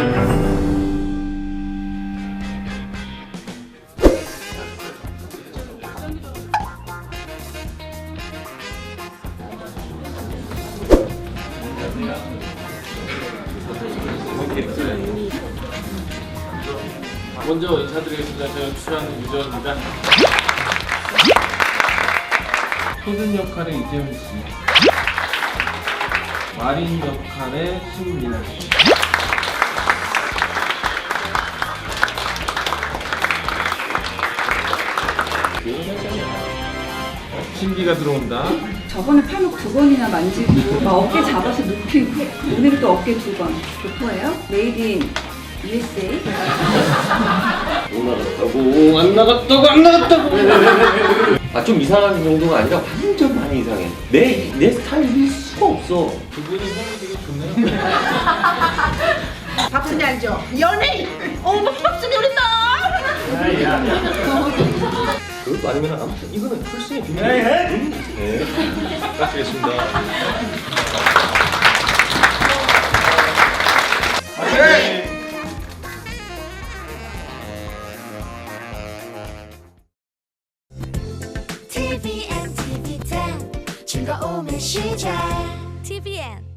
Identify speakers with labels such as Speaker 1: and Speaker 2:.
Speaker 1: 먼저 인사드리겠습니다. 저는 출연 유저입니다. 소든 역할의 이재훈 씨, 마린 역할의 신민아 씨. 신비가 들어온다.
Speaker 2: 저번에 팔목 2번이나 만지고 막 어깨 잡아서 눕히고 오늘은 또 어깨 2번. 교포예요? 메이드 인 USA.
Speaker 3: 못 나갔다고 안 나갔다고 안 나갔다고. 아 좀 이상한 정도가 아니라 완전 많이 이상해. 내 스타일일 수가 없어.
Speaker 1: 두 분이 몸이 되게 좋네요.
Speaker 4: 박순이 알죠? 연예인! 어머 박순이 우리 딸!
Speaker 3: 그것도 아니면 아무튼 이거는 풀스의 비밀. 네.
Speaker 1: 부탁드리겠습니다.
Speaker 5: TVN, TV10 즐거움의 시작 TVN